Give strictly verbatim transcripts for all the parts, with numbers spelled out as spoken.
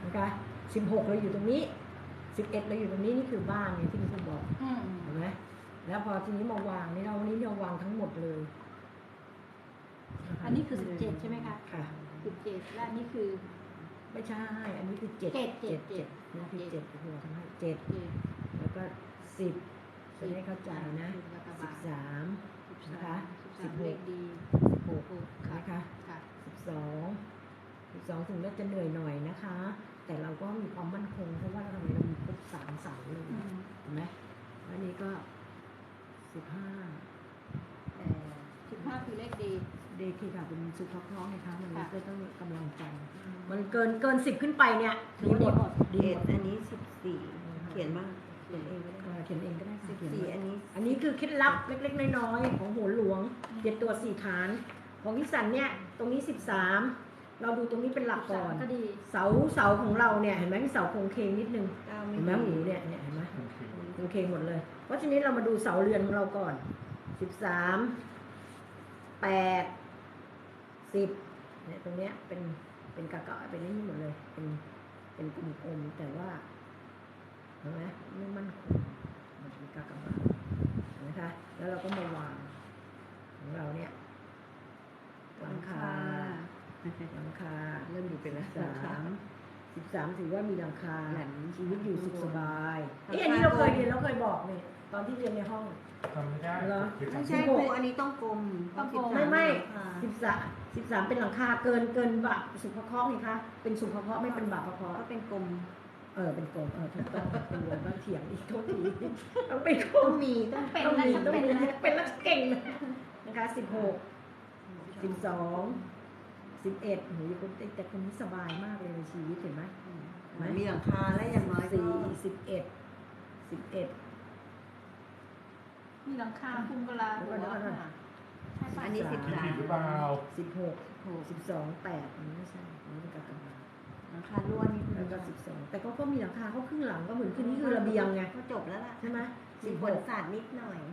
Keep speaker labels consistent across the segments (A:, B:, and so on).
A: นะคะสิบหกเราอยู่ตรงนี้สิบเอ็ดเราอยู่ตรงนี้นี่คือบ้านเนี่ยที่คุณบอกเห็นไหมแล้วพอทีนี้มาวางนี่เราวันนี้เราวางทั้งหมดเลย
B: อันนี้คือสิบเจ็ดใช่ไหมคะ
A: ค่ะ
B: สิบเจ็ดและนี่คือ
A: ไม่ใช่อันนี้คือเจ็ด
B: เจ็ดเจ็ดเจ็ด
A: นี่คือเจ็ดคือเราทำให้เจ็ดแล้วก็สิบจะได้เข้าใจนะสิบสามนะคะสิบหก
B: ดี
A: สิบหกนะคะสิบสองสิบสองถึงเราจะเหนื่อยหน่อยนะคะ แต่เราก็มีความมั่นคงเพราะว่าเราทำไมเรามีครบสามเสาเลยเห็นไหมอันนี้ก็สิบห้า
B: สิบห้าคือเลขดี
A: เดทีค่ะเป็นสุขภาพนะคะมันก็ต้องกำลังใจมันเกินเกินสิบขึ้นไปเนี่ยดีหมด
C: ดีหมดอันนี้สิบสี่เขียนบ้างเขียนเองก็ได้
A: เขียนเองก็ได้
C: สิบสี่อันนี้
A: อันนี้คือเคล็ดลับเล็กๆน้อยๆของโหรหลวงเจ็ดตัวสี่ฐานของพิสันเนี่ยตรงนี้สิบสามเราดูตรงนี้เป็นหลักก่อนเสาเสาของเราเนี่ยเห็นไหมมีเสาโครงเคงนิดนึงเห็นไหมหมูเนี่ยเนี่ยเห็นไหมโครงเคงหมดเลยเพราะฉะนั้นเรามาดูเสาเรือนของเราก่อนสิบสามแปดสิบเนี่ยตรงเนี้ยเป็นเป็นกะกะเป็นนี่หมดเลยเป็นเป็นกลมๆแต่ว่าเห็นไหมไม่มั่นคงมันเป็นกะกะบานะคะแล้วเราก็มาวางของเราเนี่ยหลังคาหลังคาเริ่มอยู่เป็นหลังสามสิบสามถือว่ามีหลังคาชีวิตอยู่สุขสบายเอ๊ะอันนี้เราเคยเรียนเราเคยบอกเนี่ยตอนที่เรียนในห้อง
D: ทำไม่ได้
A: เหรอ
C: ไม่ใช่ครูอันนี้ต้องกลม
B: ต้องกลม
A: ไม่ไม่สิบสามสิบสามเป็นหลังคาเกินเกินบาสุขภาพนี่คะเป็นสุขภาพไม่เป็นบาปภาพ
C: ก็เป็นกลม
A: เออเป็นกลมเออถูกต้องเป็นวงก็เถียงอีกโทษทีต้องเป็นกลม
C: มีต้อง
B: เป็น
A: ต้องมีต้องมี
B: เป็น
A: เป็นแล้วเก่งนะคะสิบหกสิบสองสิบเอ็ดหนูคนแต่คนนี้สบายมากเลยในชีวิตเห็นไหม
C: มีหลังคาและอย่างน้อย
A: สี่สิบเอ็ดสิบเอ็ด
B: มีหลังคาคุมกะลาหัว
C: อันนี้สิบสาม
D: หรือเปล่า
A: สิบหกสิบสองแปดอันนี้ไม่ใช่อันนี้เป็นกะกะบา
C: หลังคาล้วนนี่
A: แล้วก็สิบสองแต่ก็ก็มีหลังคาเขาครึ่งหลังก็เหมือนขึ้นนี่คือระเบียงไง
C: ก็จบแล้วล่ะ
A: ใช่ไหม
C: สิบบนศาสตร์นิดหน่อย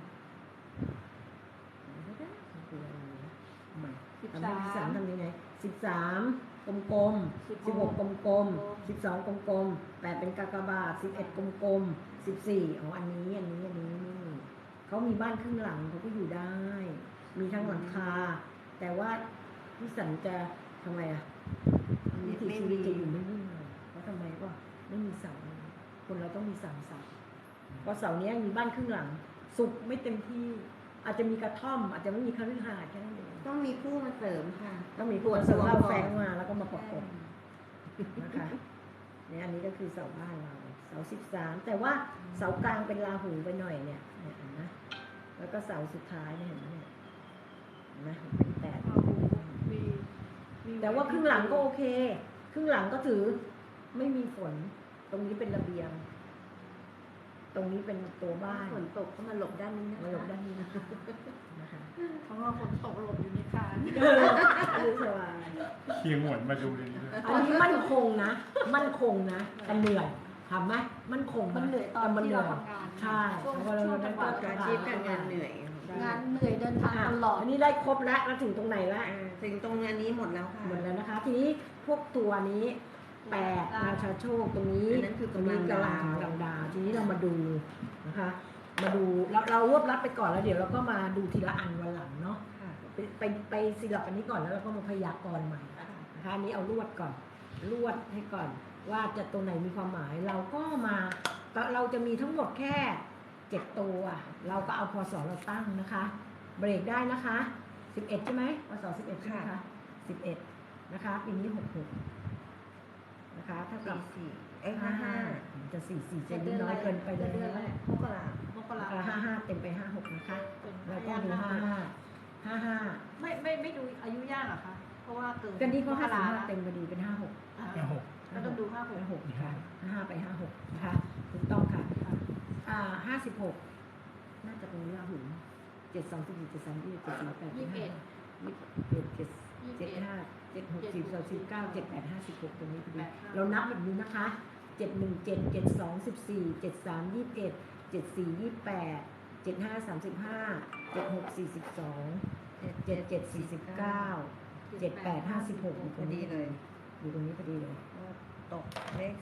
A: สิบสามสามทำยังไงสิบสามกลมกลมสิบหกกลมกลมสิบสองกลมกลมแปดเป็นกากบาทสิบเอ็ดกลมกลมสิบสี่อ๋ออันนี้อันนี้อันนี้นี่เขามีบ้านครึ่งหลังเขาก็อยู่ได้ มีทั้งหลังคาแต่ว่าพี่สันจะทำไมอ่ะวิถีชีวิตจะอยู่ไม่นิ่งเลยเพราะทำไมก็ไม่มีเสาคนเราต้องมีสามเสาเพราะเสาเนี้ยมีบ้านครึ่งหลังสุกไม่เต็มที่อาจจะมีกระท่อมอาจจะไม่มีคฤหาสน์แค่นั้นเอง
C: ต้องมีผู้มาเสริมค่ะ
A: ต้องมีผู้มาเสริมเราแฝงมาแล้วก็มาประกบนะคะเนี่ยอันนี้ก็คือเสาบ้านเราเสาสิบสามแต่ว่าเสากลางเป็นราหูไปหน่อยเนี่ยเห็นไหมแล้วก็เสาสุดท้ายเนี่ยเห็นไหมเนี่ยเห็นไหมเป็นแปดแต่ว่าครึ่งหลังก็โอเคครึ่งหลังก็ถือไม่มีฝนตรงนี้เป็นระเบียงตรงนี้เป็นตัวบ้าน
C: ฝนตกก็มาหลบด้านนี้นะ
A: มาหลบด้านนี้นะคะนะคะ
B: เพราะว่าฝนตกหลบอยู่ในคาน
A: คือสบาย
D: เคียงหวนมาดูเลย
A: อันนี้มั่นคงนะมั่นคงนะแต่เหนื่อยทำไหมมั่นคง
B: มันเหนื่อยตอนที่เราทำงาน
A: ใช่เพราะเรา
C: จังหวะอาชีพการงานเหนื่อย
B: งานเหนื่อยเดินทางตลอด
A: อันนี้ได้ครบแล้วแล้วถึงตรงไหนแล้ว
C: ถึงตรงอันนี้หมดแล้วค่ะ
A: หมดแล้วนะคะทีนี้พวกตัวนี้แปดราชาโชคตรงนี้
C: นั่นคือ
A: ตรงนี้กำลังกำลังดาวทีนี้เรามาดูนะคะมาดูเราเรารวบรัดไปก่อนแล้วเดี๋ยวเราก็มาดูทีละอันวันหลังเนาะไปไปไปซีล็อกอันนี้ก่อนแล้วเราก็มาพยากรณ์ใหม่นะคะอันนี้เอาลวดก่อนลวดให้ก่อนว่าจะตัวไหนมีความหมายเราก็มาเราจะมีทั้งหมดแค่เจ็ดตัวเราก็เอาพศเราตั้งนะคะเบรกได้นะคะสิบเอ็ดใช่ไหมพศสิบเอ็ดใช่ไหมคะสิบเอ็ดนะคะปีนี้หกหกนะคะถ้ากับ
C: สี่เอ้ห้าห้า
A: จะสี่สี่จะน้อยเกินไปเลย
C: มกราม
B: กรา
A: ห้าห้าเต็มไปห้าหกนะคะแล้วก็ดูห้าห้าห้าห้า
B: ไม่ไม่ไม่ดูอายุย่างหรอคะเพราะว่าเกิน
A: กันนี้ก็ห้าสิบห้าเต็มพอดีเป็นห้าหก
D: ห้าหก
B: ก็ต้องดูห้าหก
A: หกค่ะห้าห้าไปห้าหกนะคะถูกต้องค่ะอ่าห้าสิบหกน่าจะเป็นราหูเจ็ดสองสิบสี่เจ็ดสามยี่สิบเจ็ดสี่แปดยี่สิบเอ็ดยี่สิบเอ็ดเจ็ดเจ็ดห้าเจ็ดหกสิบสองสิบเก้าเจ็ดแปดห้าสิบหกตรงนี้พอดีเรานับแบบนี้นะคะเจ็ดหนึ่งเจ็ดเจ็ดสองสิบสี่เจ็ดสามยี่สิบเอ็ดเจ็ดสี่ยี่สิบแปดเจ็ดห้าสามสิบห้าเจ็ดหกสี่สิบสองเจ็ดเจ็ดสี่สิบเก้าเจ็ดแปดห้าสิบหกอยู่ตรงนี้เลยอยู่ตรงนี้พอดีเลย
C: ตกเลข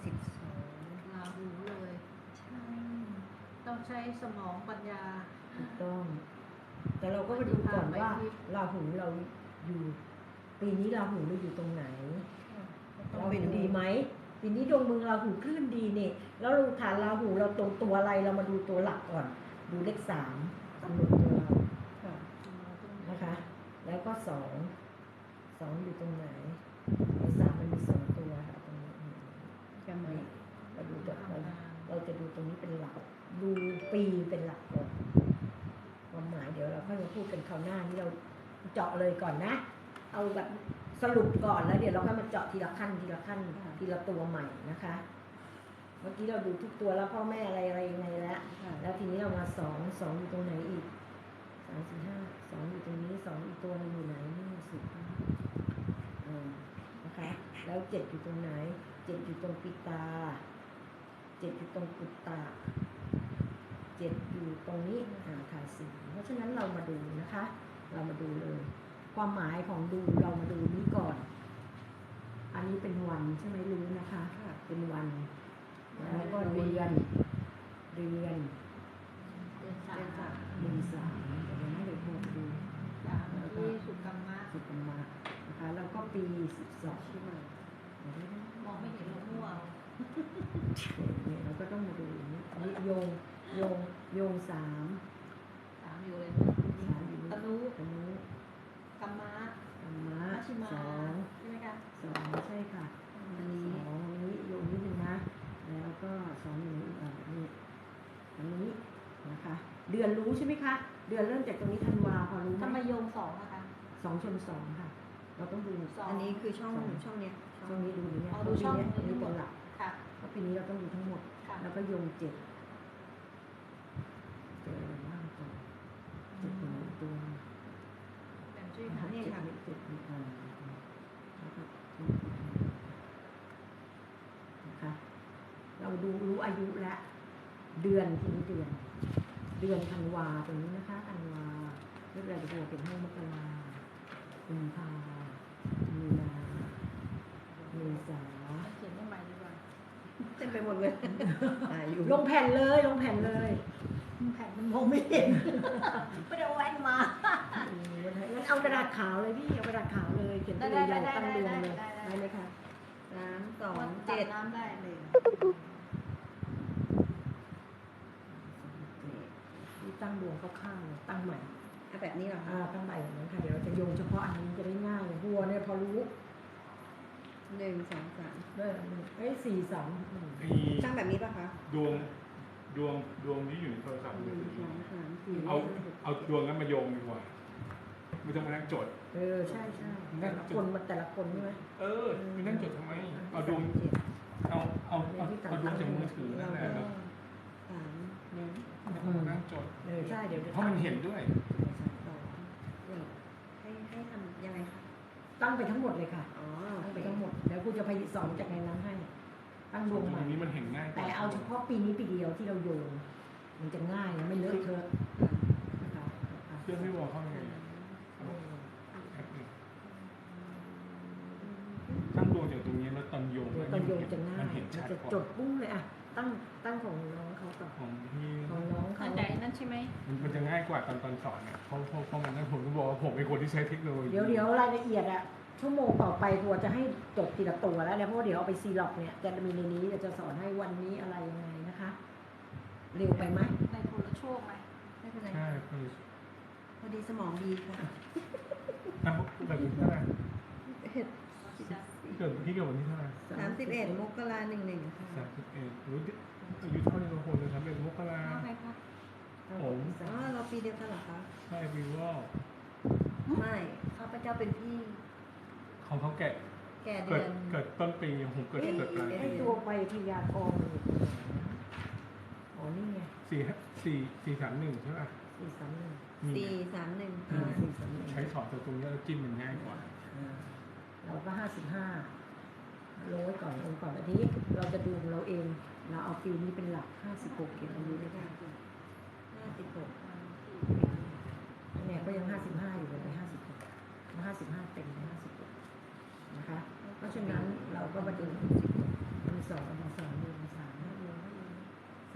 B: ใช้สมองปัญญา
A: ถูกต้อง แต่เราก็มาดูก่อนว่าราหูเราอยู่ ปีนี้ราหูเราอยู่ตรงไหน ราหูดีไหมปีนี้ดวงเมืองราหูคลื่นดีเนี่ยแล้วเราฐานราหูเราตรงตัวอะไรเรามาดูตัวหลักก่อน ดูเลขสามกำหนดตัวเรา
C: ค่ะ
A: นะคะ แล้วก็สองสองอยู่ตรงไหนไอ้สามมันมีสองตัวค่ะตรงนี้
C: จำไว้
A: เราดูตัวเราเราจะดูตรงนี้เป็นหลัก ดูปีเป็นหลักก่อนความหมายเดี๋ยวเราค่อยมาพูดกันคราวหน้านี่เราเจาะเลยก่อนนะ เอาแบบสรุปก่อนแล้วเดี๋ยวเราค่อยมาเจาะทีละขั้นทีละขั้นทีละตัวใหม่นะคะ เมื่อกี้เราดูทุกตัวแล้วพ่อแม่อะไรอะไรยังไงแล้ว
C: ค่ะ
A: แล้วทีนี้เรามาสองสองอยู่ตรงไหนอีกสามสี่ห้าสองอยู่ตรงนี้สองอีกตัวหนึงอยู่ไหนนี่สิบอ่านะคะ แล้วเจ็ดอยู่ตรงไหนเจ็ดอยู่ตรงปิตาเจ็ดอยู่ตรงปุตตาเจ็ดอยู่ตรงนี้อ่าขาสี่เพราะฉะนั้นเรามาดูนะคะ เรามาดูเลย ความหมายของดูเรามาดูนี้ก่อน อันนี้เป็นวันใช่ไหมรู้นะคะ
C: ค่ะ
A: เป็นวันแล้วก็เดือนเดือน
B: เดือนสา
C: เดือนสาม ม
A: เดือนสามเดี๋ยวนะเดี๋ยวพูดดู
B: สามที่สุกรรมะ
A: สุกรรมะนะคะแล้วก็ปีสิบสอง
C: ชื่อมา
B: มองไม่เห็นเรามั่ว
A: เนี่ยเราก็ต้องมาดูอย่างนี้อันนี้โยงโยงโยงสาม
B: สามอยู่เลย
A: สามอยู่
B: ต
A: นี้
B: นุ
A: ตรงนี้
B: กรรมะ
A: ธรรมะ
B: มัชชิมา
A: สอง
B: ใช่ไหมคะ
A: สองใช่ค่ะ
C: อันนี้
A: สองอันนี้โยงนิดนึงนะ แล้วก็สองอยู่อีกอันนี้อันนี้นะคะ เดือนรู้ใช่ไหมคะ เดือนเริ่มจากตรงนี้ธันวาพอรู้ไห
B: ทำไม
A: ม
B: โยงสองอะคะ
A: สองชนสองค่ะ เราต้องดู
B: สอง
C: อันนี้คือช่องช่องเนี้ย
A: ช่องนี้ดูนี้เนี่ย
B: อ๋อ
A: เพ
B: ดู
A: ราะปี
B: ช่อง
A: เนี้ย
B: นี้
A: อันนี้เป็นหลัก
B: ค่ะ
A: เพราะปีนี้เราต้องดูทั้งหมด
B: ค่ะ
A: แล้วก็โยงเจ็ดเจออะไรบ้างก่อนเจ็ดเป็นอีกตัวหนึ่ง
B: แบ่งชื่อ
A: นะ
B: หา
A: คะ
B: เนี่
A: เจ็
B: ย
A: ด
B: ค่ะ
A: เป็นเจ็ดเป็นอ่าแล้วก็นะคะ เราดูรู้อายุและ เดือนทีนี้เดือน เดือนธันวาตรงนี้นะคะธันวาเรียกอะไรจะเป็นห้องมกรากุมภามีนาเมษา
B: เขียนได้ใหม่ดีกว่า
C: เต็มไปหมดเลยอ่าอยู่
A: ลงแผ่นเลยลงแผ่นเลย
B: แผ่นมันมองไม่เห็น ไม่ได้เอาแว่นมา
A: อืมงั้นเอากระดาษขาวเลยพี่เอากระดาษขาวเลยเขียนตัว
B: ได้
A: ยาว
B: ได้
A: ๆตั้งดวงเลย
B: ได้ได้ได้
A: ได้ไหมคะ
C: สามสอง
B: เจ็
C: เจ็
B: ด
C: ด
B: น้ำได้เลย
A: ที่ตั้งดวงข้างๆเลยตั้งใหม่
C: เอาแบบนี้เหรอ
A: อ่า
C: คะ
A: ตั้งใหม่อย่างนั้นค่ะเดี๋ยวเราจะโยงเฉพาะอันนี้จะได้ง่ายบัวเนี่ยพอรู้
C: หนึ่งสองสาม
A: ได้อันหนึ่งเอ้ยสี่สามหนึ่ง
D: ไอ้
C: ช่างแบบนี้ป่ะคะ
D: ดวงดวงดวงที่อยู่ในโทรศัพท์
C: ห
D: มือ
C: นึ่ง
D: ถื
C: ส
D: อ
C: องสามสี่
D: เอาเอาดวงนั้นมาโยงดีกว่าไม่ต้องมานั่งจด
A: เออใช่ใช่แต่ละคนมันแต่ละคนใช่ไหม
D: เออไม่นั่งจดทำไม เอาดวง
C: เจ็ด
D: เอาเอาเอาเอาดวงจากมือถือนั่นแหละ
C: สามหนึ่ง
D: ไม่ต้องมานั่งจด
A: เออใช่เดี๋ยวจะ
D: เพราะมันเห็นด้วย
C: สองเจ็ดให้ให้ทำยังไงคะ
A: ตั้งไปทั้งหมดเลยค่ะ
C: อ๋อ
A: ตั้งไปทั้งหมดแล้วกูจะไปสอนจากในนั้นให้ ตั้งดวง
D: ต
A: ให
D: ร
A: ม่
D: งนี้มันเห็นง่ายกว่
A: แต่เอาเฉพาะปีนี้ปีเดียวที่เราโยง มันจะง่ายนะไม่เลอะเทอะนะคะนะคะ
D: เพื่อนไม่บอกเข้ายังไง
A: เออ
D: แอปหนึ่งตั้งดวงจากตรงนี้แล้วตอนโยง
A: เดี๋ยวตอนโยงจะง่าย
D: มันเห็น
A: มัน
D: ชัด
A: จะ
D: กว่า
A: จดปุ้งเลยอะตั้งตั้งของน้องเขาต่อน
D: ของพี่
A: ของน้องเขา
B: เข้าใจนั่นใช่ไหม
D: มันมันจะง่ายกว่าตอนตอนสอนเนี่ยเพราะเพราะเพราะมันนั่นผมต้องบอกว่าผมเป็นคนที่ใช้เทคโนโลยี
A: เดี๋ยวเดี๋ยวรายละเอียดอะชั่วโมงต่อไปทัวร์จะให้จดทีละตัวแล้วเนี่ยเพราะว่าเดี๋ยวเอาไปซีล็อกเนี่ยจะมีในนี้จะสอนให้วันนี้อะไรยังไงนะคะ เร็วไปไหม
B: ในโทรโชคไหม
C: ไม่เป็นไร
D: ใช่คือ
C: พอดีสมองดีค่ะ
D: อ้าวแบบนี้เท่าไหร่
C: เห็ด
D: เกิดพี่เกิดวันที่เท่าไหร่
C: สามสิบเอ็ดมกราหนึ่งหนึ่งค่ะ
D: สามสิบเอ็ดรู้ดิอายุเท่านี้เราคนเลยสามสิบเอ็ดมกรา
B: เอาไงคะ
D: ผม
C: อ๋อเราปีเดียวกันเหรอคะ
D: ใช่วิวว่า
C: ไม่ข้าพเจ้าเป็นพี่
D: ของเขาแกะ
C: แก่เดื
D: เกิด
C: อน
D: เกิดต้นปีผมเกิดเกิดปลาย
A: ให้
D: ปี
A: ตัวไปพยากรณ์อยู่ตรงไหนนะอ๋อนี่ไง
D: สี่สี่สี่สามหนึ่งใช่ป่ะ
A: สี่สามหนึ่ง
D: มี
C: สี่สามหนึ่ง
A: อ่าสี่สามหนึ่ง
D: ใช้สอนตัวตรงนี้แล้วจิ้มมันง่ายกว่า
A: อ่าเราก็ห้าสิบห้าลงไว้ก่อนลงก่อนอันนี้เราจะดูของเราเอง เราเอาปีนี้เป็นหลักห้าสิบหกเขียนอายุด้วยกัน
C: ห้าสิบหก
A: เนี่ยก็ยังห้าสิบห้าอยู่เลยห้าสิบหกห้าสิบห้าเต็มห้าสิบหกนะคะ เพราะฉะนั้นเราก็มาดูมันสองมันสองมันสามสามช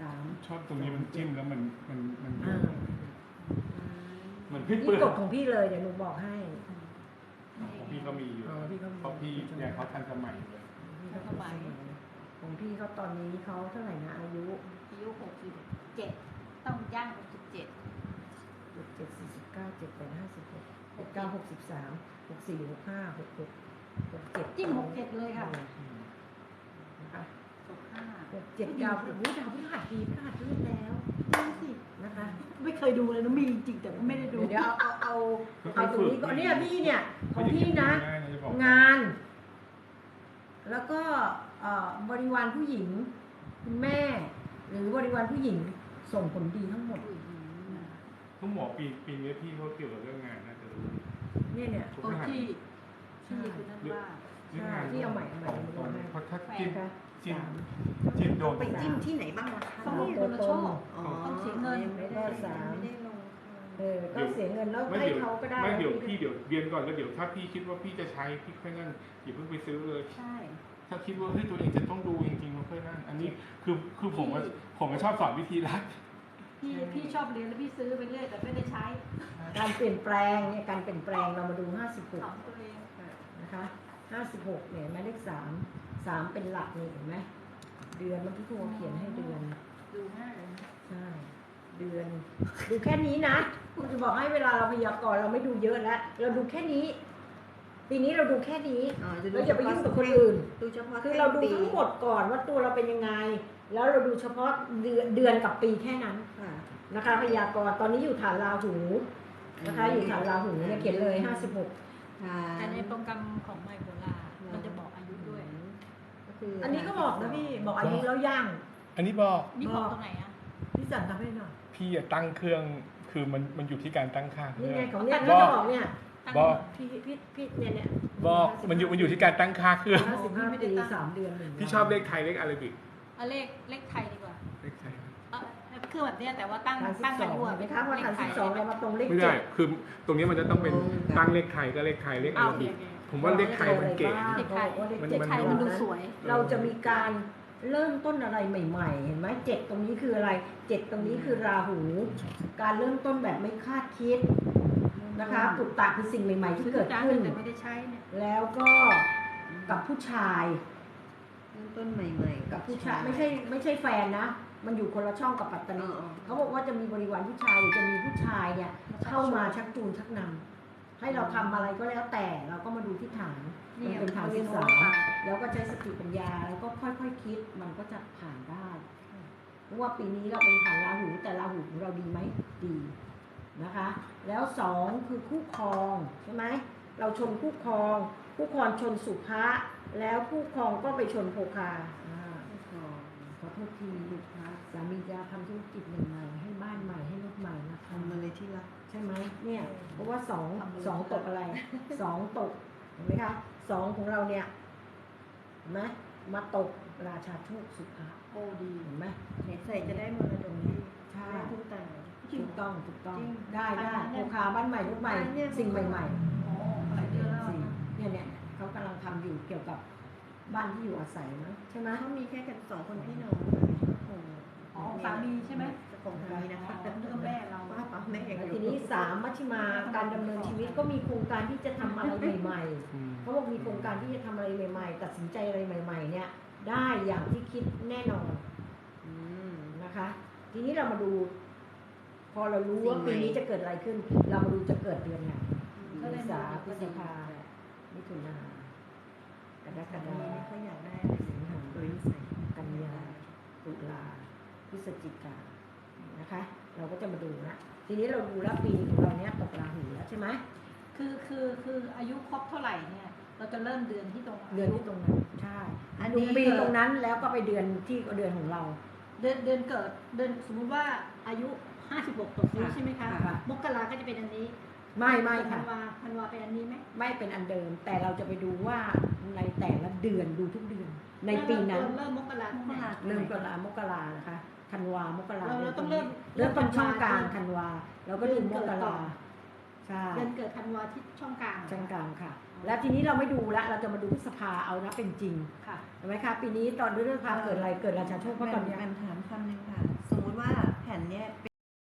D: ชอบตรงนี้มันจิ้มแล้วมันมันมัน
A: อ่า
D: เหมือนพี่
A: นี่
D: เปิด
A: กฎของพี่เลยเดี๋ยวหนูบอกให้
D: ของพี่ก็มีอยู่
A: อ๋อพี่ก็มี
D: เพราะพี่เนี่ยเขาทันสมัยเลย
B: ทันสมัย
A: ของพี่เขาตอนนี้เขาเท่าไหร่นะอายุ
B: อายุหกสิบเจ็ดต้องย่างหกสิบเจ็ด
A: เจ็ดเจ็ดสี่สิบเก้าเจ็ดแปดห้าสิบหกหกเก้าหกสิบสามหกสี่หกห้าหกหกหกเจ็ด
B: จิ้มหกเจ็ดเลยค่ะ
A: นะคะ
B: หกห้า
A: หกเจ็ดดาวโอ้ยดาวพฤหัสดีพฤหัสเลื่อนแล้ว
B: ดูสิ
A: นะคะ
B: ไม่เคยดูเลยนะมีจริงแต่ว่าไม่ได้ดู
A: เดี๋ยวเอาเอาเอาเอาตรงนี้ก่อนเนี่ยพี่เนี่ยของพี่นะ
D: ง่ายนะจะบอก
A: งาน แล้วก็เอ่อบริวารผู้หญิงคุณแม่ หรือบริวารผู้หญิงส่งผลดีทั้งหมด
D: ต้องบอกปีปีนี้พี่เขาเกี่ยวกับเรื่องงานน่าจะรู้
A: เนี่ยเนี่ย
B: โอ้ที่ที่คือนั่นว่า
D: เรื่องงาน
A: ใช่ที่เอาใหม่เอาใหม่
D: ตรงตรงเพราะถ้า
B: แฟ
D: จิ้ม
A: นะคะ
D: จิ้ม
A: สาม
D: จิ้มโดน
C: ไปจิ้มที่ไหนบ้างล่ะคะ
B: ต้องมีคนละโชค
C: อ๋อ
B: ต้องเสียเงิน
C: ไม่ได้ไม่ได้ลง
A: เออก็เสียเงินแล้ว
D: ไม่
A: ให้
D: เดี๋ยว
A: เขาก็ได้
D: ไม่เดี๋ยว
A: แล้ว
D: พี่เดี๋ยวเรียนก่อนแล้วเดี๋ยวถ้าพี่คิดว่าพี่จะใช้พี่ค่อยนั่นอย่าเพิ่งไปซื้อเลย
B: ใช่
D: ถ้าคิดว่าเฮ้ยตัวเองจะต้องดูจริงๆเราค่อยนั่นอันนี้คือคือผมว่าผมก็ชอบสอนวิธีรัก
B: พี่พี่ชอบเรียนแล้วพี่ซื้อไปเรื่อยแต่ไม่ได้ใช้
A: การเปลี่ยนแปลงเนี่ยการเปลี่ยนแปลงเรามาดูห้าสิบห
B: ส
A: ก
B: อนตัวเอง
A: นะคะห้าสิบหกเนี่ยหมายเลขสามสามเป็นหลักนี่เห็นไหมเดือนเมื่อกี้ครูเขียนให้เดือน
B: ดูง่ายเลยนะ
A: ใช่ เดือน ดูแค่นี้นะคุณจะบอกให้เวลาเราพยากรณ์เราไม่ดูเยอะแล้ว เราดูแค่นี้ ปีนี้เราดูแค่นี้
C: อ๋อจะดู
A: เราอย่าไปยุ่งกับคนอื่น
C: ดูเฉพาะ
A: คือเราดูทั้งหมดก่อนว่าตัวเราเป็นยังไง แล้วเราดูเฉพาะเดือนเดือนกับปีแค่นั้น
C: ค่ะ
A: นะคะ พยากรณ์ตอนนี้อยู่ฐานราหูนะคะ อยู่ฐานราหูเนี่ยเขียนเลยห้าสิบหก
C: ค่ะ
B: แต่ในโปรแกรมของไมโครลามันจะบอกอายุด้วย
C: ก็คือ
A: อั
C: อั
A: นนี้ก็บอกนะพี่บอกอายุแล้วย่าง
D: อันนี้บอก
B: นี่บอกตรงไหนอ่ะ
A: พี่สันทำให้หน่อย
D: พี่อะตั้งเครื่องคือมันมันอยู่ที่การตั้งค่าเค
A: นี่
D: รื่อง
A: ไงของเนี่ย
D: บ
A: ก็
D: อก
A: จะบอกเนี่ย
D: บอก
A: พี่พี่พี่เนี่ยเนี่ย
D: บอกมันอยู่มันอยู่ที่การตั้งค่าเครื่อง
A: ห้าสิบห้าปีสามเดือนหนึ่ง
D: พี่ชอบเลขไทยเลขอาราบิก
B: เอาเลขเลขไทยดีกว่า
D: เลขไทย
B: เออคือแบบเนี้ยแต่ว่าตั้ง
A: ฐานสิ
B: ตั้ง
A: บส
B: อา
A: อง
B: ยุอะ
A: เห็นไหมคะว่าฐานสิบสองเรามาตรงเลข
D: ไม่
A: เจ็
D: ได้
A: ด
D: คือตรงนี้มันจะต้องเป็นตั้งเลขไทยก็เลขไทยเลขอา
B: อ้าว
D: รา
B: โอเค
D: บิก
B: โอเค
D: ผมว่าเลขไทยมันเก๋
B: เลขไทย
A: เลข
D: มัน
A: เจ็ด
B: เลขไทยมันดูสวย
A: เราจะมีการเริ่มต้นอะไรใหม่ๆ เห็นไหมเจ็ดตรงนี้คืออะไรเจ็ดตรงนี้คือราหู การเริ่มต้นแบบไม่คาดคิดนะคะปุตตะคือสิ่งใหม่ๆที่เกิดขึ้น
B: แต่ไม่ได้ใช้เนี่ย
A: แล้วก็กับผู้ชาย
C: เริ่มต้นใหม่ๆ
A: กับผู้ชายไม่ใช่ไม่ใช่แฟนนะ มันอยู่คนละช่องกับปัตตานี
C: อ๋อ
A: เขาบอกว่าจะมีบริวารผู้ชายหรือจะมีผู้ชายเนี่ยเข้ามาชักจูงชักนำให้เราทำอะไรก็แล้วแต่เราก็มาดูที่ฐานมันเป็นฐานที่สามแล้วก็ใช้สติปัญญาแล้วก็ค่อยๆคิดมันก็จะผ่านได้เพราะว่าปีนี้เราเป็นฐานราหูแต่ราหูของเราดีไหมดีนะคะ แล้วสองคือคู่ครองใช่ไหมเราชนคู่ครองคู่ครองชนสุภะแล้วคู่ครองก็ไปชนโภคาอ่า ขอโทษทีลูกค้าสามีจะทำธุรกิจใหม่ๆให้บ้านใหม่ให้รถใหม่นะคะ
C: ทำมาเลยที่รัก
A: ใช่ไหมเนี่ยเพราะว่าสองสองตกอะไรสองตกเห็นไหมคะสองของเราเนี่ยเห็นไหมมาตกราชาโชคสุภา
B: โอ้ดี
A: เห็นไหม
C: เห็นใส่จะได้มรดกนี้
A: ใช่
C: ได้ทุกแต่
A: ถูกต้องถูกต้อง
C: จริง
A: ได้ได้โภคาบ้านใหม่รถใหม่
C: อันเนี้ย
A: สิ่งใหม่
B: อ๋อหลายเดือนแล้ว
A: ๆสิ่ง
B: นะ
A: เนี่ยเนี่ยเขากำลังทำอยู่เกี่ยวกับบ้านที่อยู่อาศัยมั้งใช่ไหม
C: เขามีแค่กันสองคนพี่น้อง
B: อ๋อสามีใช่ไหม
C: ของสามีนะคะ
B: อ๋อนึกว่าแม่เรา
C: ป้าป้าแม่อย่าง
A: แล้ว
C: เดี
A: ที
C: ยว
A: นี้สามมัชฌิมาการดำเนินชีวิตก็มีโครงการที่จะทำอะไรใหม่ๆ
D: อืม
A: เขาบอกมีโครงการที่จะทำอะไรใหม่ๆ ตัดสินใจอะไรใหม่ ๆ เนี่ย ได้อย่างที่คิดแน่นอน
C: อืม
A: นะคะ ทีนี้เรามาดู พอเรารู้ว่าปีนี้จะเกิดอะไรขึ้น เรามาดูจะเกิดเดือนไหน
B: ก็เลย
A: เมษา
B: มา
A: พ
B: ดู
A: ฤ
B: ก็
A: ษ
B: ดี
A: ภามิถุนากรก
C: แต่
A: ฎา
C: นี้เขาอยากได้
A: สิงหา
C: โดยนิสัย
A: กันยาตุลาพฤศจิกานะคะ เราก็จะมาดูนะทีนี้เราดูแล้วปีของเราเนี้ยตกราหูแล้วใช่ไหม
B: คือคือคืออายุครบเท่าไหร่เนี่ย เราจะเริ่มเดือนที่ตรง
A: เดือนที่ตรงนั้นใช่
C: อัน
A: ดู
C: นี้
A: ปีตรงนั้นแล้วก็ไปเดือนที่เดือนของเรา
B: เดือนเดือนเกิดเดือนสมมุติว่าอายุห้าสิบหกตกนี้ใช่ไหมคะ
A: ค่ะ
B: มกราก็จะเป็นอันนี้
A: ไม่ไม่
B: ธั
A: ค่ะ
B: นวาธันวาเป็นอันนี้ไหม
A: ไม่เป็นอันเดิม แต่เราจะไปดูว่าในแต่ละเดือนดูทุกเดือน ในปีนั้น
B: เริ่มมกราเท่าไหร่
A: เริ่มกรามกรานะคะธันวามกรา
B: เราเราต้องเริ่ม
A: เริ่มต้นช่องกลาง
B: เริ่ม
A: ธันวาเราก็ดูมกราใช่
B: เดือนเกิดธันวาที่ช่องกลาง
A: ช่องกลางค่ะ แล้วทีนี้เราไม่ดูละเราจะมาดูพฤษภาเอานะเป็นจริง
B: ค่ะ
A: เห็นไหมคะปีนี้ตอนเรื่องพาเกิดอะไรเกิดราชาโชคเพราะตอนเนี้ย
C: มันถามคำหนึ่งค่ะ